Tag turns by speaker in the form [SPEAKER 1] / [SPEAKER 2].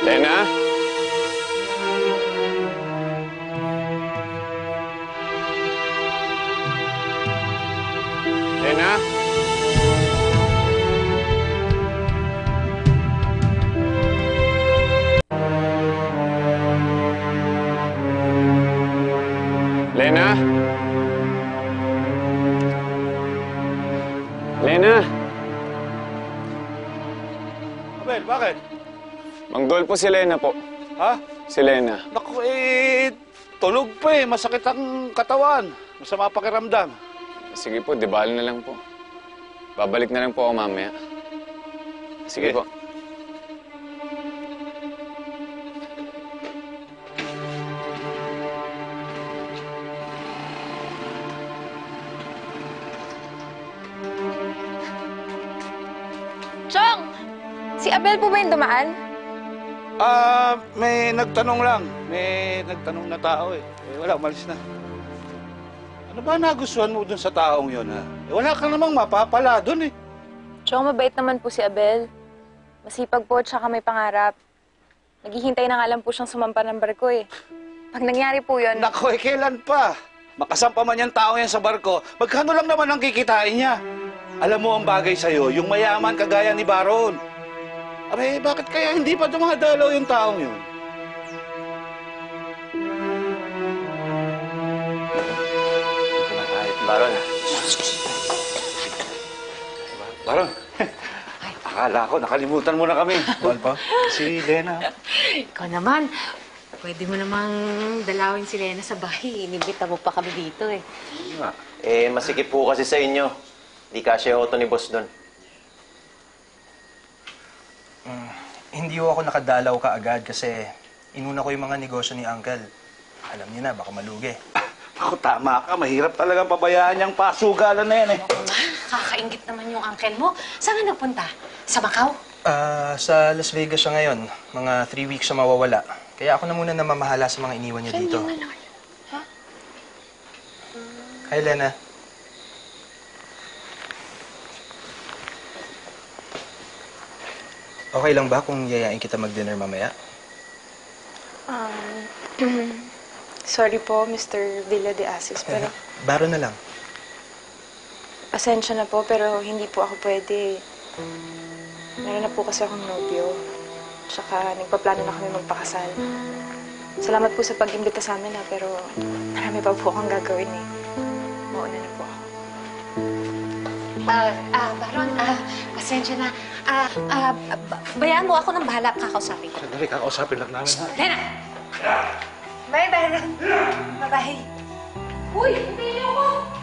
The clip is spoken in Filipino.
[SPEAKER 1] Lena? Lena? Lena? Lena?
[SPEAKER 2] Abel, bakit?
[SPEAKER 1] Manggol po si Lena po.
[SPEAKER 2] Ha?
[SPEAKER 1] Si Lena.
[SPEAKER 2] Naku, tulog pa eh. Masakit ang katawan. Masama pakiramdam.
[SPEAKER 1] Sige po, dibali na lang po. Babalik na lang po ako mamaya. Sige po.
[SPEAKER 3] Chong! Si Abel po ba yung dumaan?
[SPEAKER 2] May nagtanong lang. May nagtanong na tao eh. Wala, umalis na. Ano ba nagustuhan mo dun sa taong yun, ha? Wala ka namang mapapala dun eh.
[SPEAKER 3] Chong, mabait naman po si Abel. Masipag po, tsaka may pangarap. Naghihintay na nga lang po siyang sumampa ng barko eh. Pag nangyari po yun...
[SPEAKER 2] Naku, kailan pa? Makasampa man yung tao yan sa barko, magkano lang naman ang kikitain niya? Alam mo ang bagay sa'yo, yung mayaman kagaya ni Baron. Aray, bakit kaya hindi pa dumadalaw yung taong yun?
[SPEAKER 4] Baron.
[SPEAKER 2] Baron, akala ko nakalimutan mo na kami. Wal pa? Si Lena.
[SPEAKER 5] Ikaw naman, pwede mo namang dalawin si Lena sa bahay. Inibita mo pa kami dito eh.
[SPEAKER 4] Masikip po kasi sa inyo. Di kasya auto ni boss doon.
[SPEAKER 6] Hindi ko ako nakadalaw kaagad kasi inuna ko yung mga negosyo ni Uncle. Alam niyo na, baka malugi.
[SPEAKER 2] Ako, tama ka. Mahirap talagang pabayaan niyang pasugalan na yan eh.
[SPEAKER 5] Kakaingit naman yung uncle mo. Saan ka nagpunta? Sa Macau?
[SPEAKER 6] Sa Las Vegas siya ngayon. Mga 3 weeks siya mawawala. Kaya ako na muna namamahala sa mga iniwan niya dito.
[SPEAKER 5] Ha?
[SPEAKER 6] Hi, Lena. Okay lang ba kung yayain kita mag-dinner mamaya?
[SPEAKER 3] Sorry po, Mr. Villa de Asis, pero...
[SPEAKER 6] Baro na lang.
[SPEAKER 3] Pasensya na po, pero hindi po ako pwede. Meron na po kasi akong nobyo. Tsaka nagpaplano na kami magpakasal. Salamat po sa pag-imbita sa amin, pero marami pa po akong gagawin eh. Mauna na po ako.
[SPEAKER 5] Baron, pasensya na. Bayaan mo ako ng bahala kakausapin ko.
[SPEAKER 2] Sandali, kakausapin lang namin, ha?
[SPEAKER 5] Lena! Bye, Baron. Bye-bye. Uy, hindi niyo ako!